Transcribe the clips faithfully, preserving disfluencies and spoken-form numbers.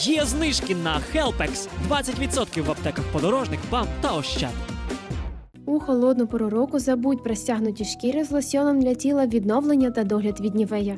Є знижки на Helpex – двадцять відсотків в аптеках «Подорожник», «БАМ» та «Ощад». У холодну пору року забудь про стягнуті шкіри з лосьоном для тіла, відновлення та догляд від Нівея.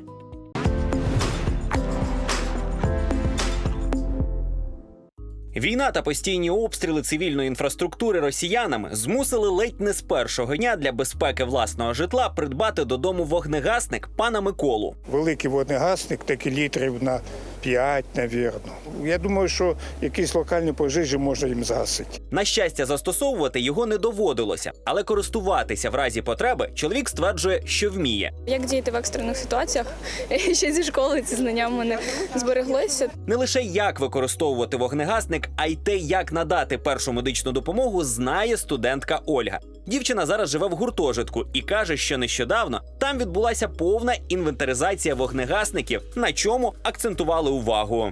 Війна та постійні обстріли цивільної інфраструктури росіянами змусили ледь не з першого дня для безпеки власного житла придбати додому вогнегасник пана Миколу. Великий вогнегасник, такі літрів на п'ять, навірно. Я думаю, що якісь локальні пожежі можна їм згасити. На щастя, застосовувати його не доводилося, але користуватися в разі потреби чоловік стверджує, що вміє. Як діяти в екстрених ситуаціях? Ще зі школи ці знання в мене збереглися. Не лише як використовувати вогнегасник, а й те, як надати першу медичну допомогу, знає студентка Ольга. Дівчина зараз живе в гуртожитку і каже, що нещодавно там відбулася повна інвентаризація вогнегасників, на чому акцентували увагу.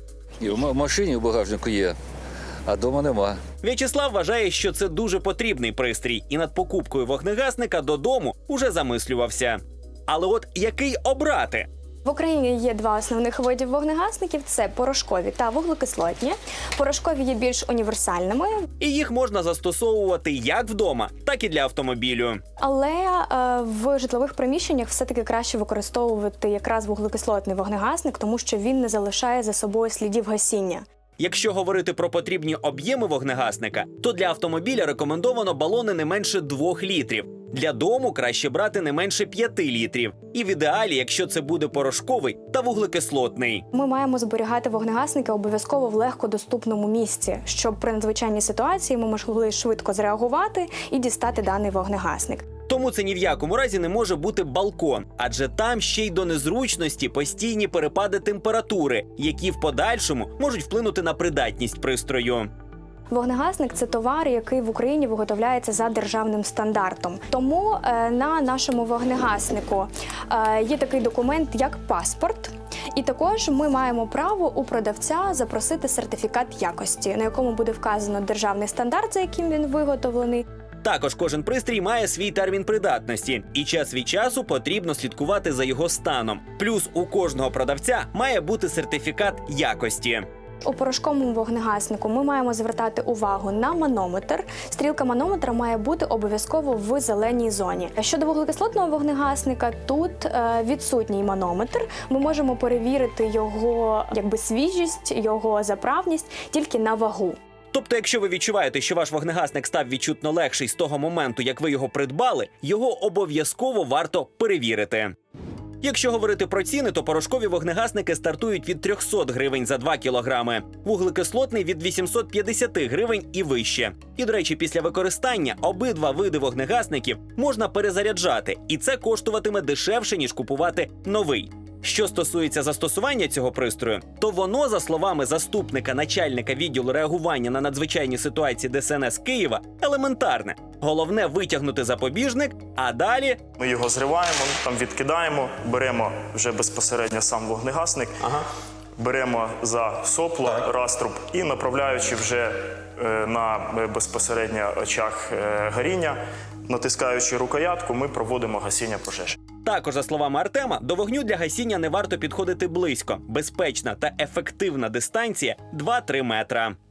І в машині в багажнику є, а вдома нема. В'ячеслав вважає, що це дуже потрібний пристрій, і над покупкою вогнегасника додому уже замислювався. Але от який обрати? В Україні є два основних видів вогнегасників – це порошкові та вуглекислотні. Порошкові є більш універсальними. І їх можна застосовувати як вдома, так і для автомобілю. Але е, в житлових приміщеннях все-таки краще використовувати якраз вуглекислотний вогнегасник, тому що він не залишає за собою слідів гасіння. Якщо говорити про потрібні об'єми вогнегасника, то для автомобіля рекомендовано балони не менше двох літрів. Для дому краще брати не менше п'яти літрів. І в ідеалі, якщо це буде порошковий та вуглекислотний. Ми маємо зберігати вогнегасники обов'язково в легкодоступному місці, щоб при надзвичайній ситуації ми могли швидко зреагувати і дістати даний вогнегасник. Тому це ні в якому разі не може бути балкон, адже там ще й до незручності постійні перепади температури, які в подальшому можуть вплинути на придатність пристрою. Вогнегасник – це товар, який в Україні виготовляється за державним стандартом. Тому е, на нашому вогнегаснику е, є такий документ, як паспорт. І також ми маємо право у продавця запросити сертифікат якості, на якому буде вказано державний стандарт, за яким він виготовлений. Також кожен пристрій має свій термін придатності, і час від часу потрібно слідкувати за його станом. Плюс у кожного продавця має бути сертифікат якості. У порошковому вогнегаснику ми маємо звертати увагу на манометр. Стрілка манометра має бути обов'язково в зеленій зоні. Щодо вуглекислотного вогнегасника, тут е, відсутній манометр. Ми можемо перевірити його якби свіжість, його заправність тільки на вагу. Тобто, якщо ви відчуваєте, що ваш вогнегасник став відчутно легший з того моменту, як ви його придбали, його обов'язково варто перевірити. Якщо говорити про ціни, то порошкові вогнегасники стартують від трьохсот гривень за два кілограми, вуглекислотний – від вісімсот п'ятдесят гривень і вище. І, до речі, після використання обидва види вогнегасників можна перезаряджати, і це коштуватиме дешевше, ніж купувати новий. Що стосується застосування цього пристрою, то воно, за словами заступника начальника відділу реагування на надзвичайні ситуації Де Ес Ен Ес Києва, елементарне. Головне – витягнути запобіжник, а далі… Ми його зриваємо, там відкидаємо, беремо вже безпосередньо сам вогнегасник, ага. беремо за сопло, раструб і направляючи вже е, на безпосередньо очах е, горіння, натискаючи рукоятку, ми проводимо гасіння пожежі. Також, за словами Артема, до вогню для гасіння не варто підходити близько. Безпечна та ефективна дистанція – два-три метра.